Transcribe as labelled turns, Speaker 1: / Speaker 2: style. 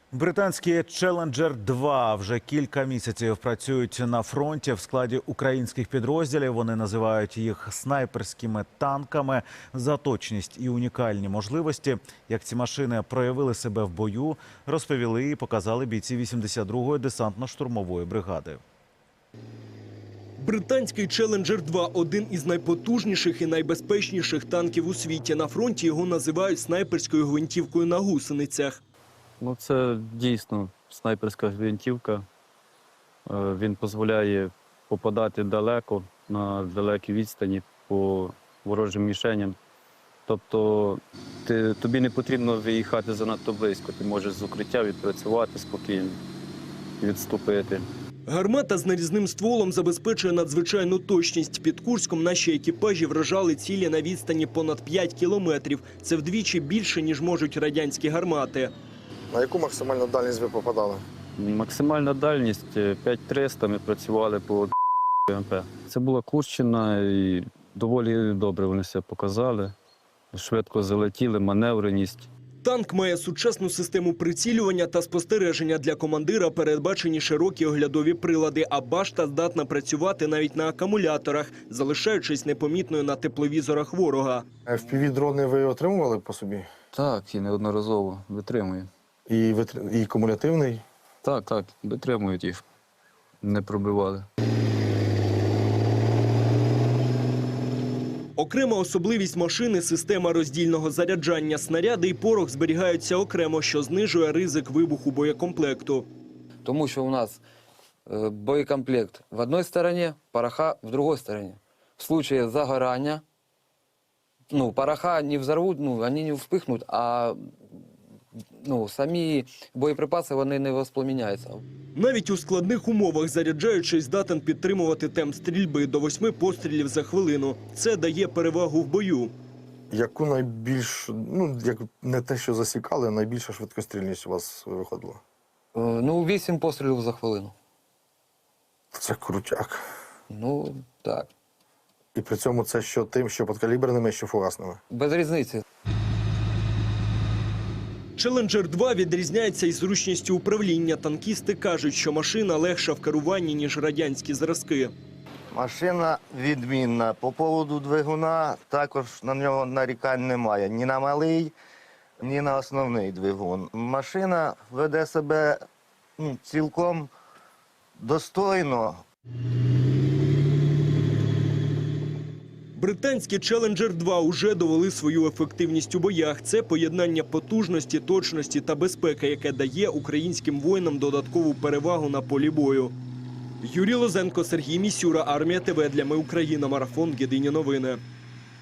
Speaker 1: Британські «Челенджер-2» вже кілька місяців працюють на фронті в складі українських підрозділів. Вони називають їх снайперськими танками. За точність і унікальні можливості, як ці машини проявили себе в бою, розповіли і показали бійці 82-ї десантно-штурмової бригади.
Speaker 2: Британський «Челенджер-2» – один із найпотужніших і найбезпечніших танків у світі. На фронті його називають снайперською гвинтівкою на гусеницях.
Speaker 3: Це дійсно снайперська гвинтівка. Він дозволяє попадати далеко, на далекій відстані по ворожим мішеням. Тобто тобі не потрібно виїхати занадто близько. Ти можеш з укриття відпрацювати спокійно, відступити.
Speaker 2: Гармата з нарізним стволом забезпечує надзвичайну точність. Під Курськом наші екіпажі вражали цілі на відстані понад 5 кілометрів. Це вдвічі більше, ніж можуть радянські гармати.
Speaker 4: На яку максимальну дальність ви попадали?
Speaker 3: Максимальна дальність 5300, ми працювали по МП. Це була Курщина і доволі добре вони себе показали. Швидко залетіли, маневреність.
Speaker 2: Танк має сучасну систему прицілювання та спостереження. Для командира передбачені широкі оглядові прилади, а башта здатна працювати навіть на акумуляторах, залишаючись непомітною на тепловізорах ворога.
Speaker 4: FPV-дрони ви отримували по собі?
Speaker 3: Так, і неодноразово витримує.
Speaker 4: І кумулятивний?
Speaker 3: Так, витримують їх, не пробивали.
Speaker 2: Окрема особливість машини – система роздільного заряджання. Снаряди і порох зберігаються окремо, що знижує ризик вибуху боєкомплекту.
Speaker 5: Тому що у нас боєкомплект в одній стороні, пороха в другій стороні. В случае загорання, пороха не взорвуть, вони не вспихнуть, а самі боєприпаси вони не воспламеняються.
Speaker 2: Навіть у складних умовах заряджаючий здатен підтримувати темп стрільби до 8 пострілів за хвилину. Це дає перевагу в бою.
Speaker 4: Яку найбільш, як не те, що засікали, найбільша швидкострільність у вас виходила?
Speaker 5: 8 пострілів за хвилину.
Speaker 4: Це крутяк.
Speaker 5: Так.
Speaker 4: І при цьому це що тим, що підкаліберними, що фугасними?
Speaker 5: Без різниці.
Speaker 2: «Челенджер-2» відрізняється із зручністю управління. Танкісти кажуть, що машина легша в керуванні, ніж радянські зразки.
Speaker 6: Машина відмінна. По поводу двигуна також на нього нарікань немає. Ні на малий, ні на основний двигун. Машина веде себе цілком достойно.
Speaker 2: Британські «Челенджер-2» уже довели свою ефективність у боях. Це поєднання потужності, точності та безпеки, яке дає українським воїнам додаткову перевагу на полі бою. Юрій Лозенко, Сергій Місюра, Армія ТВ. Для Ми Україна. Марафон. Єдині новини.